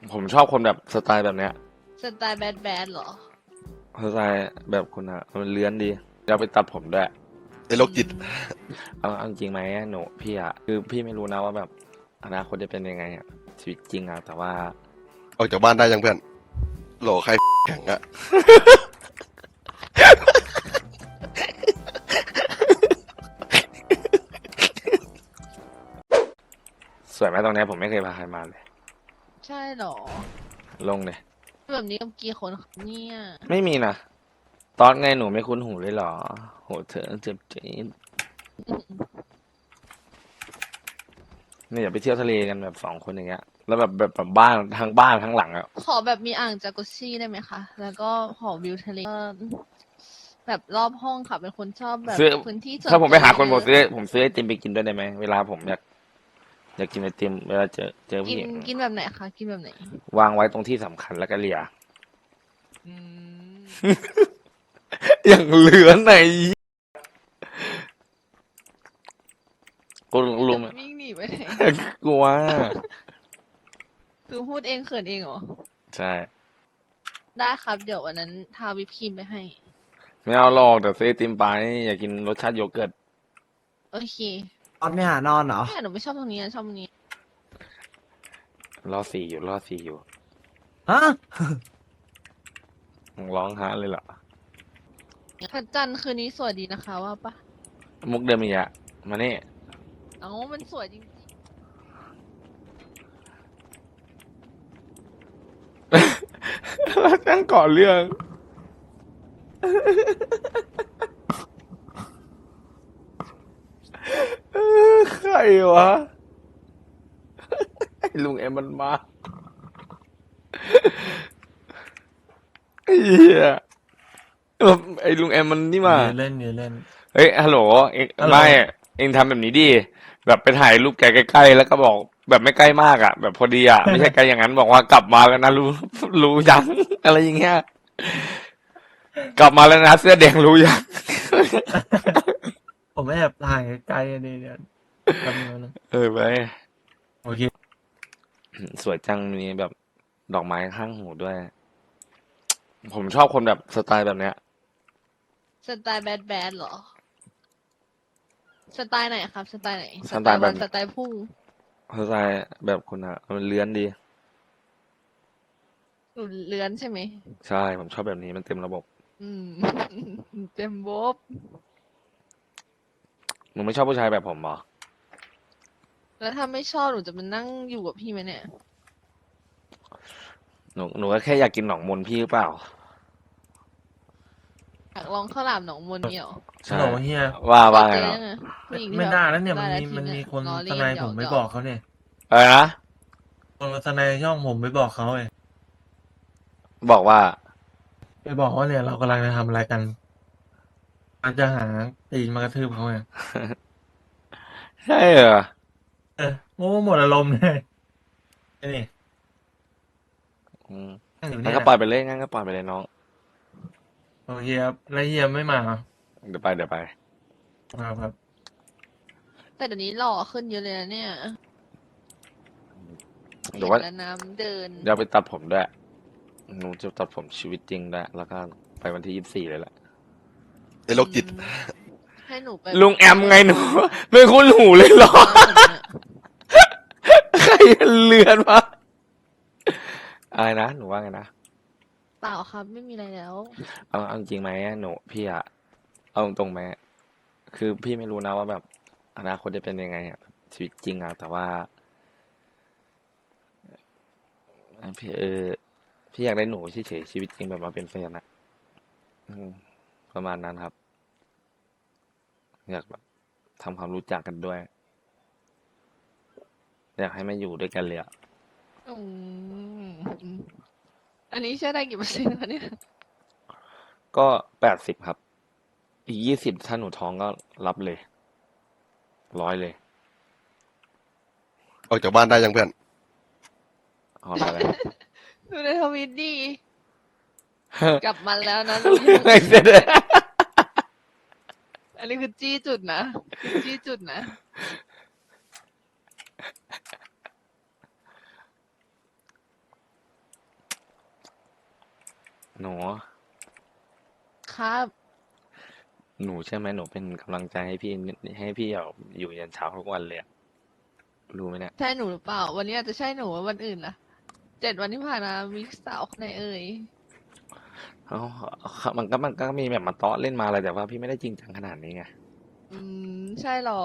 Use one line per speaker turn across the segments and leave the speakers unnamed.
ผมชอบคนแบบสไตล์แบบเนี้ย
สไตล์แบดแบดเหรอ
สไตล์แบบคุณอะมันเลื้อนดีเราไปตัดผมด้วย
ไอ้โรคจิต
เอาจริงไหมหนูพี่อะคือพี่ไม่รู้นะว่าแบบอนาคตจะเป็นยังไงอะชีวิตจริงอะแต่ว่า
ออกจากบ้านได้ยังเพื่อนโหลใครแข็งอะ
สวยไหมตรงเนี้ยผมไม่เคยพาใครมาเลย
ใช่เหรอ
ลงเลย
แบบนี้กับกี่คนครับเนี่ย
ไม่มีนะตอนไงหนูไม่คุ้นหูเลยเหรอโหเธอเจ็บจี๊ดเนี่ยอย่าไปเที่ยวทะเลกันแบบ2 คนอย่างเงี้ยแล้วแบบบ้านทั้งหลังอะ
ขอแบบมีอ่างจากุชชี่ได้ไหมคะแล้วก็หอวิวทะเลแบบรอบห้องค่ะเป็นคนชอบแบบ
ซื้อ
พื้นที่ส่วน
ถ้าผมไปหาคน
ตัวเยอะ
ผมซื้อไอติมไปกินด้วยได้ไหมเวลาผมอยากกินไอติมเวลาเจอ
กิน
ผู้หญิง
กินแบบไหนคะกินแบบไหน
วางไว้ตรงที่สำคัญแล้วก็เลีย
อืม
อย่างเหลือไหนกูรู้ไหม
วิ่งหนีไปไหน
กลัว
คือพูดเองเขินเองเหรอ
ใช่
ได้ครับเดี๋ยววันนั้นทาวิปครีมไปให้
ไม่เอาหรอกแต่ซื้อไอติมไปอยากกินรสชาติโยเกิร์ต
โอเค
ตอนไม่หานอนเหรอ
แม่หนูไม่ชอบตรงนี้ชอบตรงนี้
รอสี่อยู่
ฮะ
มึงร้องฮะเลยเหรอ
พระจันทร์คืนนี้สวยดีนะคะว่าปะ
มุกเดิมอีกอะมานี่
เอ้ามันสวยจริง
แล้วตั้งก่อนเรื่องใครวะไอ้ลุงเอ็มมันมาไอ้เหี้ยไอ้ลุงเอ็มมันนี่มา
ยืนเล่นยืนเล่น
เฮ้ยฮัลโหลเอ็ง
ฮัลโหล
ไม่เอ็งทำแบบนี้ดิแบบไปถ่ายรูปแกใกล้ๆแล้วก็บอกแบบไม่ใกล้มากอ่ะแบบพอดีอ่ะไม่ใช่ไกลอย่างนั้นบอกว่ากลับมาแล้วนะรู้ยังอะไรอย่างเงี้ยกลับมาแล้วนะเสื้อแดงรู้ยัง
ผมไม่แอบถ่ายไกลๆนี่เดี๋ยวแป๊บนึงนะ
ไป
โอเค
สวยจังมีแบบดอกไม้ข้างหูด้วยผมชอบคนแบบสไตล์แบบเนี้ย
สไตล์แบดแบดเหรอสไตล์ไหนครับสไตล์ไหน
ส
สไตล์วัน
ไตล์แบบ
สไตล์พุ่ง
สไตล์แบบคุณอะมันเลื้อนดี
หนูเลื้อนใช่ไหม
ใช่ผมชอบแบบนี้มันเต็มระบบ
อืมเต็มโบ๊บ
หนูไม่ชอบผู้ชายแบบผมเหรอ
แล้วถ้าไม่ชอบหนูจะมานั่งอยู่กับพี่ไหมเนี่ย
หนูก็แค่อยากกินหนองมนพี่หรือเปล่า
อยากลองข้าวหลามหนองมนเนี่ยเหรอ
ฮัล
ใช่
โหลเฮีย
เค
ว่าไงเนาะ
ยเจอยังไงผู้หญิงที่
ไม่
แบบ
ได้แล้วเนี่ย
ได้แล้วที
มัน
เนี่ย
มีคน
ล้อ
ทนาย
เล่นหย
ผมไป
อกหยอก
บอกเขาเนี่ย
อะไรนะ
คนทนายช่องผมไปบอกเขาไง
บอกว่า
ไปบอกว่าเนี่ยเรากำลังจะทำอะไรกันอาจจะหาตีนมากระทืบเขาไง
ใช่เหรอ
เออโอ้หมดอารมณ์เลยไอ้นี่
อืม
นั่งอยู่
งั้
เนี่ยแหละ
นก็ปล่อยไปเลยงั้นก็ปล่อยไปเลยน้อง
โอเคครับแล้วเฮียไม่มาเหรอ
เดี๋ยวไป
ครับ
แต่เดี๋ยวนี้หล่อขึ้นเยอะเลยนะเนี่ย
เดี๋ยว
เห็น
ว่า
แล้วน้ำเดิน
เดี๋ยวไปตัดผมด้วยหนูจะตัดผมชีวิตจริงด้วยแล้วก็ไปวันที่24เลยแหละ
ไอ้โรคจิต
อืมให้หนูไป
ลุงแอมไงหนูไม่คุ้นหูเลยเหรอ
ร้านผมเนี่ย
ใครเลือนวะอะไรนะหนูว่าไงนะ
เปล่าครับไม่มีอะไรแล้ว
เอาจริงไหมหนูพี่อะเอาตรงๆไหมคือพี่ไม่รู้นะว่าแบบอนาคตจะเป็นยังไงอะชีวิตจริงอะแต่ว่าพี่พี่อยากได้หนูเฉยๆชีวิตจริงแบบมาเป็นแฟนอะอืมประมาณนั้นครับอยากแบบทำความรู้จักกันด้วยอยากให้มาอยู่ด้วยกันเลยอะ
อืมอันนี้เชื่อได้กี่เปอร์เซ็นต์คะเนี่ย
ก็80ครับอีก20ถ้าหนูท้องก็รับเลย100เลย
ออกจากบ้านได้ยังเพื่อน
เอาอะไร
ดูในทวิตดีกลับมาแล้วนะรู้ยัง
ไม่เสร็จเลย
อันนี้คือจี้จุดนะคือจี้จุดนะ
หนู
ครับ
หนูใช่ไหมหนูเป็นกำลังใจให้พี่แบบอยู่ยันเช้าทุกวันเลยอะรู้ไหมเนี่ย
ใช่หนูหรือเปล่า วันนี้อาจจะใช่หนูวันอื่นล่ะ7 วันที่ผ่านมามีสาวคนไหนเอ่ย
เอ้ามันก็มีแบบมาเตาะเล่นมาอะไรแต่ว่าพี่ไม่ได้จริงจังขนาดนี้ไง
ใช่หรอ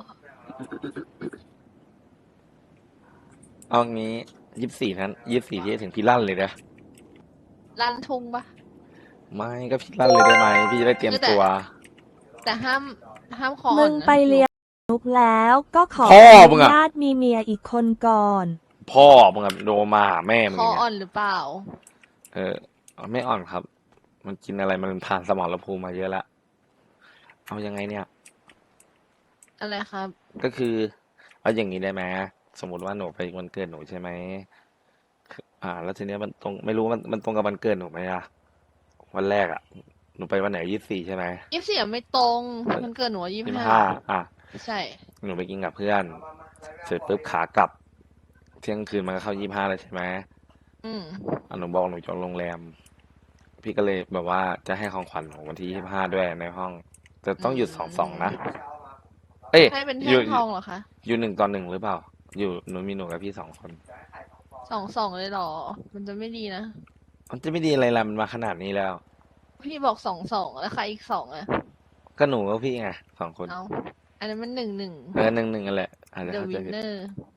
เอางี้24นั้น24ที่จะถึงพี่ลั่นเลยนะ
ลั่นทุ่งปะ
ไม่ก็พี่ลั่นเลยได้ไหมพี่จะได้เตรียมตัว
แต่ห้ามคออ่
มึ
อน
ง
นะ
ไปเลี้ยงนุกแล้วก็ขอ
พ่อ
อ
มึ
นุ
งอะ
ญาตมีเมียอีกคนก่อน
พ่อมึงอะโดมาหาแม่มึง
คอ
เนี่ย
อ่อนหรือเปล่า
เออไม่อ่อนครับ มันกินอะไรมันผ่านสมรภูมิมาเยอะแล้วเอายังไงเนี่ย
อะไรครับ
ก็คือเอาอย่างนี้ได้ไหมสมมติว่าหนูไปวันเกิดหนูใช่ไหมแล้วทีเนี้ยมันตรงไม่รู้มันตรงกับวันเกิดหนูไหมอะวันแรกอะหนูไปวันไหน24ใช่ไหม
24ไม่ตรงมันเกิดหนู25
25
ใช่
หนูไปกินกับเพื่อน เสร็จปุ๊บขากลับ เที่ยงคืนมันก็เข้า25แล้วใช่ไหม
อืม
หนูบอกหนูจองโรงแรม พี่ก็เลยแบบว่าจะให้ของขวัญหนูวันที่25ด้วยในห้อง แต่ต้องหยุด2-2นะเอ้ย
ให้เป็น
อ
แท่
ยู่
งทองเหรอคะ
อยู่1-1หรือเปล่า อยู่หนูมีหนูกับพี่2 คน
2-2เลยเหรอ มันจะไม่ดีนะ
มันจะไม่ดีอะไรล่ะมันมาขนาดนี้แล้ว
พี่บอก2-2แล้วใครอีก2อ่ะ
ก็หนูกับพี่ไง2 คน
เอาอันนั้นมัน1-1
1-1กันแหละอาจจะ
The
เข้าใจผิด
winner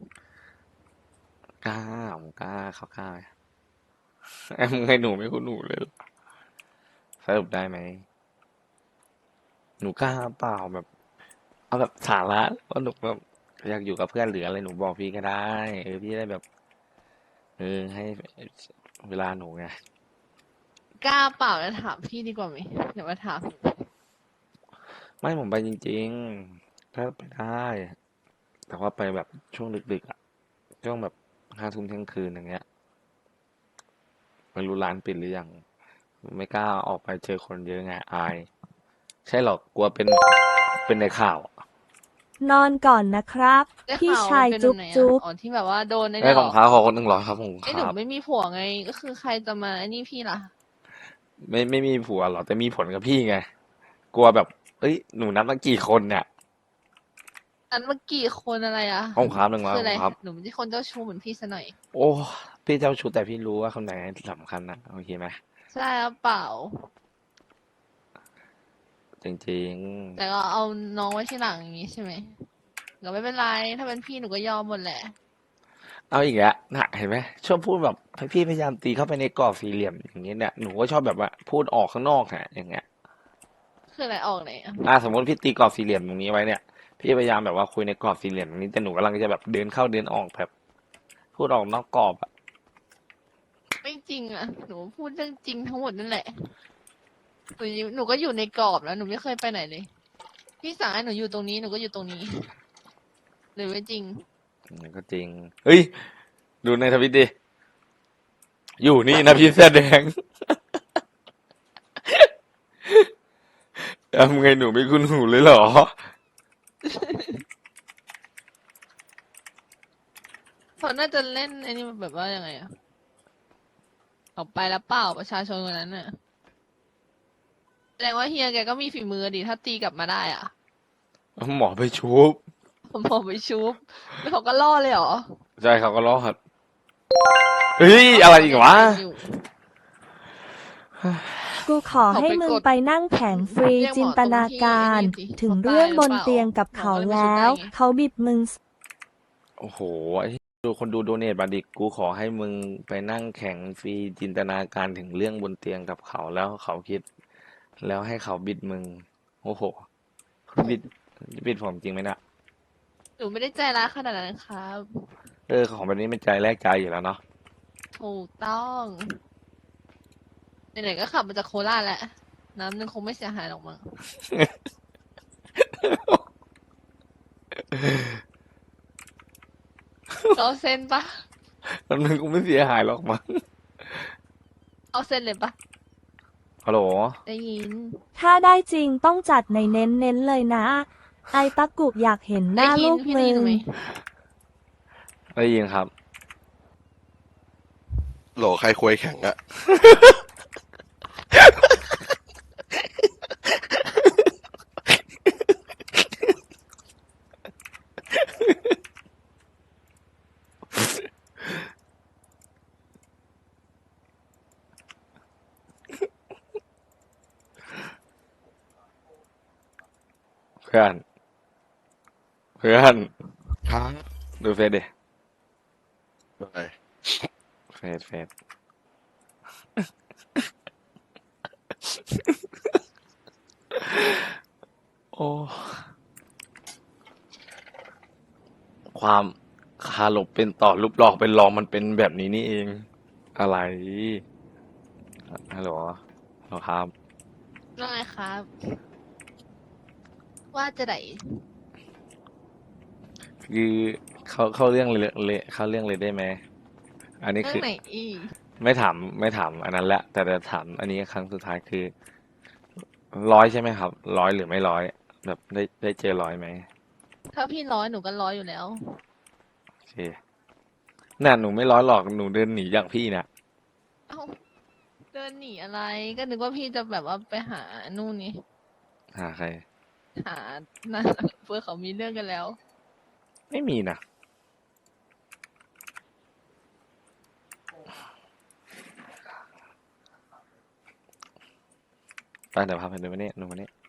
กล้าผมกล้าเขากล้าไหมแอมไงหนูไม่คุ้นหนูเลยเหรอสรุปได้ไหมหนูกล้าเปล่าแบบ เอาแบบสาระว่าหนูแบบอยากอยู่กับเพื่อนหรืออะไรหนูบอกพี่ก็ได้พี่ได้แบบให้เวลาหนูไง
กล้าเปล่าแล้วถามพี่ดีกว่าไหมเดี๋ยวมาถาม
ไม่ผมไปจริงๆถ้าไปได้ แต่ว่าไปแบบช่วงดึกๆอ่ะช่วงแบบ5 ทุ่มเที่ยงคืนอย่างเงี้ยไม่รู้ร้านปิดหรือยังไม่กล้าออกไปเจอคนเยอะไงอาย ใช่หรอกกลัวเป็นในข่าวอะ
นอนก่อนนะครับ
ได้
พี่
ข่าว
ชาย
เป็น
จุ๊บ
แบบไหน
จุ๊บ
อ๋อที่แบบว่าโดนใน
ไอ้
เนี่ย
ของค้าขอคน100ครับผม
ไอ้
ค
หนู
รับ
ไม่มีผัวไง ก็คือใครจะมาไอ้นี่พี่ล่ะ
ไม่มีผัวหรอกแต่มีผลกับพี่ไง กลัวแบบเอ้ยหนูนับตั้งกี่คนเนี่ย
อันเมื่อกี้คนอะไรอ่ะ
ของค้า100
คืออะไร
ครับ
หนูไม่ใช่คนเจ้าชู้เหมือนพี่ซะหน่อย
โอ้พี่เจ้าชู้แต่พี่รู้ว่าคนไหนสำคัญนะโอเคไหม
ใช่หรือเปล่า
จริง
แต่ก็เอาน้องไว้ที่หลังอย่างนี้ใช่ไหมก็ไม่เป็นไร ถ้าเป็นพี่หนูก็ยอมหมดแหละ
ๆเอาอีกแล้วนะเห็นไหมชอบพูดแบบให้พี่พยายามตีเข้าไปในกรอบสี่เหลี่ยมอย่างนี้เนี่ยหนูก็ชอบแบบว่าพูดออกข้างนอกฮะอย่างเงี้ย
คืออะไรออกไหนอ่ะ
สมมติพี่ตีกรอบสี่เหลี่ยมตรงนี้ไว้เนี่ยพี่พยายามแบบว่าคุยในกรอบสี่เหลี่ยมตรงนี้แต่หนูกำลังจะแบบเดินเข้าเดินออกแบบ พูดออกนอกกรอบอะ
ไม่จริงอ่ะ หนูพูดเรื่องจริงทั้งหมดนั่นแหละ หนูก็อยู่ในกรอบแล้ว หนูไม่เคยไปไหนเลย พี่สั่งให้หนูอยู่ตรงนี้หนูก็อยู่ตรงนี้ หรือไม่จริง
มันก็จริงเฮ้ยดูในทวิตดิอยู่นี่นะพี่เสื้อแดง ทำไงหนูไม่คุ้นหูเลยเหรอ
เขาน่าจะเล่นไอ้นี่แบบว่ายังไงอะออกไปแล้วเปล่าประชาชนคนนั้นน่ะแสดงว่าเฮียแกก็มีฝีมือดีถ้าตีกลับมาได้อ่ะ
หมอไปชุบ
ผมบอกไปชุบแล้วเขาก็ล่อเลยเหรอ
ใช่เขาก็รอดเฮ้ยอะไรอีกวะ
กูขอให้มึงไปนั่งแข็งฟรีจินตนาการ ถึงเรื่องบนเตียงกับเขาแล้ว เขาบิดมึง
โอ้โหไอ้ดูคนดูโดเนทบัตรดิกูขอให้มึงไปนั่งแข่งฟรีจินตนาการถึงเรื่องบนเตียงกับเขาแล้วเขาคิด แล้วให้เขาบิดมึง โอ้โหบิดผมจริงไหมเนี่ย
หนูไม่ได้ใจร้ายขนาดนั้นครับ
ของแบบนี้มันใจแลกใจอยู่แล้วเนาะ
ถูกต้องไหนๆก็ขับมาจากโคราชแหละ น้ำนึงคงไม่เสียหายหรอกมั้ง เอาเส้นปะ
มันกูไม่เสียหายหรอกมั้ง
เอาเส้นเลยปะ
ฮัลโหล
ได้ยิน
ถ้าได้จริงต้องจัดในเน้นๆเลยนะ ไอตะกุกอยากเห็นหน้าลูก
พี่
มึ
ได้ยิน
ง
ไหม
ได้ยินครับ
โหลใครคุยแข่งอะ
พื่อน เพื่อน
ครับ
ดูเฟซดิ
อะไร
เฟซโอ้ ความคาหลบเป็นต่อรูปหลอกเป็นรองมันเป็นแบบนี้นี่เอง อะไรฮัลโหลฮัลโหลครับ
ว่าไงครับ ว่าจะไหน
คือเข้าเรื่องเลยเข้าเรื่องเลยได้ไหม อันนี้
เรื่อ
คื
ง
อ
ไหนอีก
ไม่ถามอันนั้นแหละ แต่จะถามอันนี้ครั้งสุดท้ายคือร้อยใช่ไหมครับร้อยหรือไม่ร้อยแบบได้เจอร้อยไหม
ถ้าพี่ร้อยหนูก็ร้อยอยู่แล้ว
โอเคน่ะหนูไม่ร้อยหรอกหนูเดินหนีอย่างพี่เนี่ย
เอ้าเดินหนีอะไร ก็นึกว่าพี่จะแบบว่าไปหานู่นนี่
หาใคร
หานั่นเพื่อเขามีเรื่องกันแล้ว
ไม่มีนะไปเดี๋ยวพาไปดูมาเนี่ยดูมาเนี่ย